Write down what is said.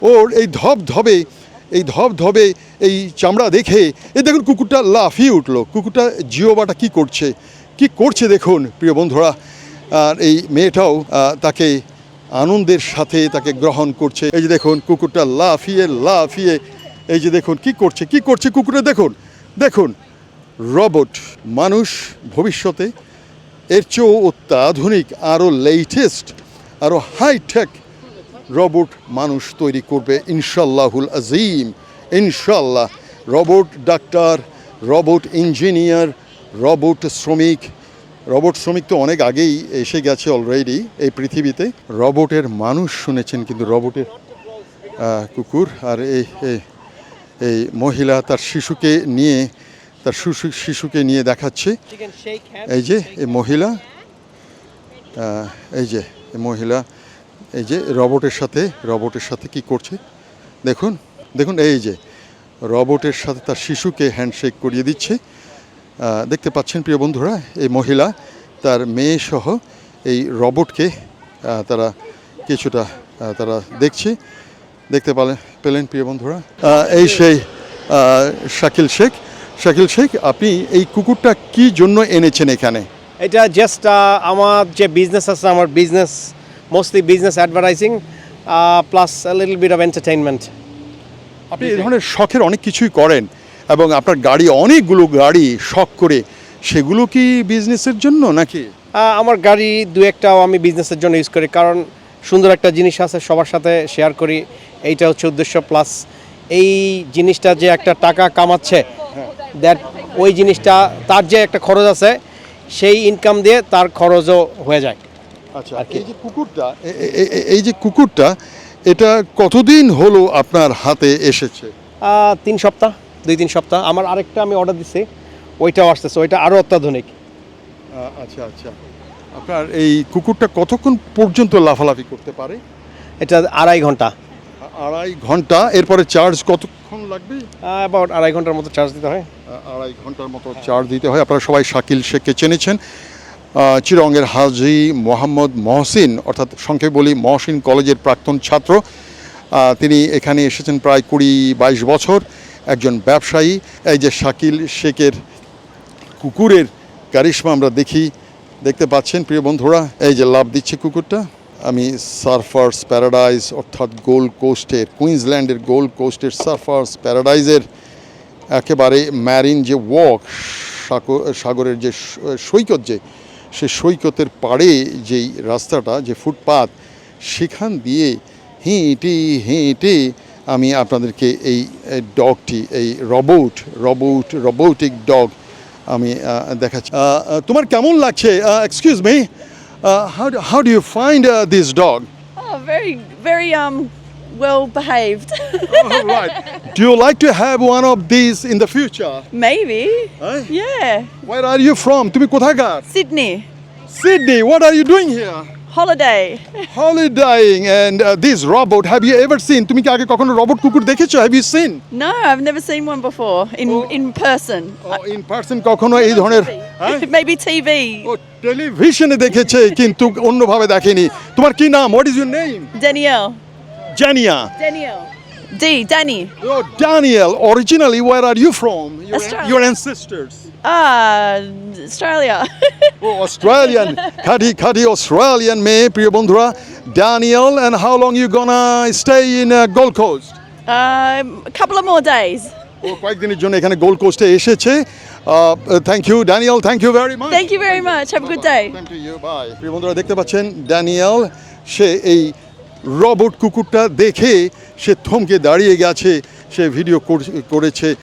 ওর এই ধবধবে এই চামড়া দেখে এই দেখুন কুকুরটা লাফিয়ে উঠলো। কুকুরটা জিওবাটা কি করছে দেখুন প্রিয় বন্ধুরা। আর এই মেয়েটাও তাকে আনন্দের সাথে তাকে গ্রহণ করছে। এই যে দেখুন কুকুরটা লাফিয়ে এই যে দেখুন কি করছে কুকুরটা দেখুন রোবট। মানুষ ভবিষ্যতে এর চেয়েও অত্যাধুনিক আরও লেটেস্ট আরও হাইটেক রোবট মানুষ তৈরি করবে ইনশাল্লাহুল আজিম। ইনশাল্লাহ robot doctor, robot engineer, robot শ্রমিক তো অনেক আগেই এসে গেছে অলরেডি এই পৃথিবীতে। রোবটের মানুষ শুনেছেন, কিন্তু রোবটের কুকুর। আর এই মহিলা তার শিশুকে নিয়ে দেখাচ্ছে। এই যে এই মহিলা এই যে রোবটের সাথে কি করছে দেখুন এই যে রোবটের সাথে তার শিশুকে হ্যান্ডশেক করিয়ে দিচ্ছে। দেখতে পাচ্ছেন প্রিয় বন্ধুরা, এই মহিলা তার মেয়ে সহ এই রোবটকে তারা কিছুটা দেখতে পেলেন প্রিয় বন্ধুরা। এই সেই শাকিল শেখ, আপনি এই কুকুরটা কি জন্য এনেছেন এখানে? এটা জাস্ট আমার যে বিজনেস আছে, আমার business mostly business advertising plus a little bit of entertainment. আপনি এই ধরনের শখের অনেক কিছুই করেন এবং আপনার অনেকগুলো গাড়ি শখ করে, সেগুলো কি বিজনেসের জন্য নাকি? আমার গাড়ি দু একটাও আমি বিজনেসের জন্য ইউজ করি, কারণ সুন্দর একটা জিনিস আছে সবার সাথে শেয়ার করি, এইটা হচ্ছে উদ্দেশ্য। প্লাস এই জিনিসটা যে একটা টাকা কামাচ্ছে, দ্যাট ওই জিনিসটা তার যে একটা খরচ আছে, সেই ইনকাম দিয়ে তার খরচও হয়ে যায়। আচ্ছা, এই যে কুকুরটা এটা কতদিন হলো আপনার হাতে এসেছে? 2-3 সপ্তাহ। আমার আরেকটা আমি অর্ডার দিচ্ছি, ওইটাও আসতেছে, ওইটা আরও অত্যাধুনিক। আচ্ছা, আপনার এই কুকুরটা কতক্ষণ পর্যন্ত লাফালাফি করতে পারে? এটা 2.5 ঘন্টা। 2.5 ঘন্টা। এরপরে চার্জ কতক্ষণ লাগবে? অ্যাবাউট 2.5 ঘন্টার মতো চার্জ দিতে হয়। 2.5 ঘন্টার মতো চার্জ দিতে হয়। আপনারা সবাই শাকিল শেখকে চেনেছেন, চিরঙ্গের হাজী মোহাম্মদ মহসিন, অর্থাৎ সংক্ষেপে বলি মহসিন কলেজের প্রাক্তন ছাত্র। তিনি এখানে এসেছেন প্রায় 20-22 বছর, একজন ব্যবসায়ী। এই যে শাকিল শেখের কুকুরের কারিশমা আমরা দেখতে পাচ্ছেন প্রিয় বন্ধুরা। এই যে লাভ দিচ্ছে কুকুরটা। আমি সার্ফার্স প্যারাডাইজ অর্থাৎ গোল্ড কোস্টের, কুইন্সল্যান্ডের গোল্ড কোস্টের সার্ফার্স প্যারাডাইজের একেবারে ম্যারিন যে ওয়াক, সাগরের যে সৈকত, সে সৈকতের পাড়ে যেই রাস্তাটা, যে ফুটপাথ, সেখান দিয়ে হেঁটে আমি আপনাদেরকে এই ডগটি, এই রোবোটিক ডগ আমি দেখাচ্ছি। তোমার কেমন লাগছে? Excuse me, how do you find this dog? Oh, very well behaved. Oh, right. Do you like to have one of these in the future? Maybe. Huh? Yeah. Where are you from? তুমি কোথাকার? Sydney. Sydney. What are you doing here? Holiday. Holidaying. And this robot, have you ever seen? তুমি কি আগে কখনো robot কুকুর দেখেছো? Have you seen? No, I've never seen one before in person. Oh, in person কখনো এই ধরনের? Maybe TV. ও টেলিভিশনে দেখেছে কিন্তু অন্যভাবে দেখেনি। তোমার কি নাম? What is your name? Danielle. Jania. Danny. Oh, Daniel. Originally, where are you from? Australia. Your ancestors. Australia. Oh, Australian. Khadi Australian মেয়ে প্রিয় বন্ধুরা, Daniel. And how long you gonna stay in Gold Coast? A couple of more days. ও কয়েকদিনের জন্য এখানে Gold কোস্টে এসেছে। Thank you Daniel, thank you very much. Thank you very much. Have a good day. Thank you. Bye. প্রিয় বন্ধুরা দেখতে পাচ্ছেন Daniel, সে এই রোবট কুকুরটা দেখে সে থমকে দাঁড়িয়ে গেছে, সে ভিডিও করেছে।